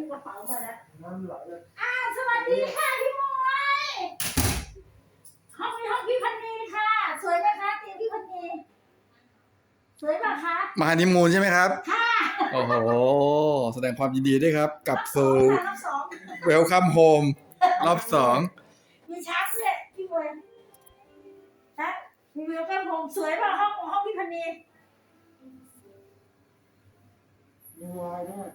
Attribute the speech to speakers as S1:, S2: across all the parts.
S1: กระเป๋ามาแล้ว
S2: น้ำไหลเลย
S1: สวัสดีค่ะพี่มวยห้องพี่พันนีค่ะสวยไหมคะเตียงพี่พันนีสวยป่ะคะ
S3: มาฮันนีมูนใช่ไหมครับ
S1: ค่ะ
S3: โอ้โหแสดงความยินดีด้วยครับกลับสู่
S1: รอบสอง
S3: Welcome Home รอบสอง
S1: มีช้างด้วยพี่มวยนะมีวิวแก้มพงสวยป่ะห้องพี่พันนี
S2: มีวายด้วย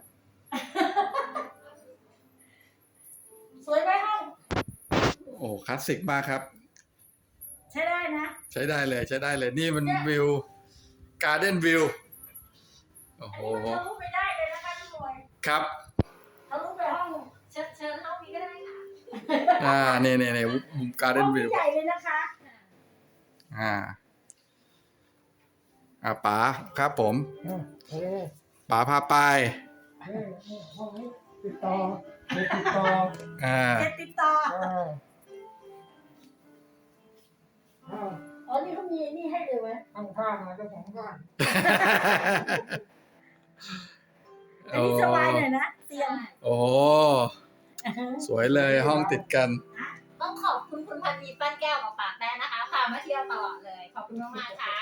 S1: สวยไหมห้อง
S3: โอ้คลาสสิกมากครับ
S1: ใช้ได้นะ
S3: ใช้ได้เลยใช้ได้เลยนี่มันวิวการ์เด้นวิวโอ้โห
S1: อันนี้มันทะลุไปได้เลยนะคะพี่มวย
S3: ครับ
S1: ทะลุไปห้อง
S4: เชิญห้องนี้ก็ได้ค่ะ
S3: นี่มุมการ์เด้นวิว
S1: ใหญ่เลยนะคะ
S3: ป๋าครับผม
S2: เฮ้ย
S3: ป๋าพาไป
S2: ห้องนี้ติดต่อติดต่อ
S1: เจ็ดติดต่อ
S2: อ้าว
S1: อ๋อนี่เขามีนี่ให้เลยไหม
S2: ข้างๆนะเจ้าของบ้าน
S1: อันนี้สบายหน่อยนะเตียง
S3: โอ้โหสวยเลยห้องติดกัน
S4: ต้องขอบคุณคุณพันนีปั้นแก้วกับปากแดงนะคะพามาเที่ยวตลอดเลย ขอบคุณมากๆค่ะ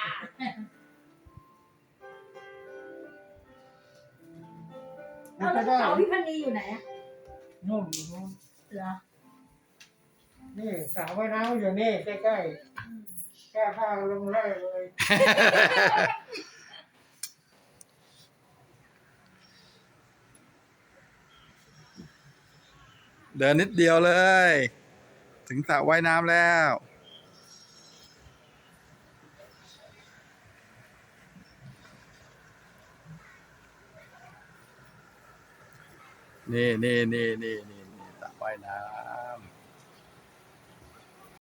S1: แล้วกระเป๋าพี่พันนีอยู่ไหนอะ
S2: นู่นอยู่นู่น
S1: เหรอ
S2: นี่สระว่ายน้ำอยู่นี่ใกล้ๆแก้ผ้าลงไล่เลย
S3: เดินนิดเดียวเลย ถึงสระว่ายน้ำแล้ว นี่สระว่ายน้ำ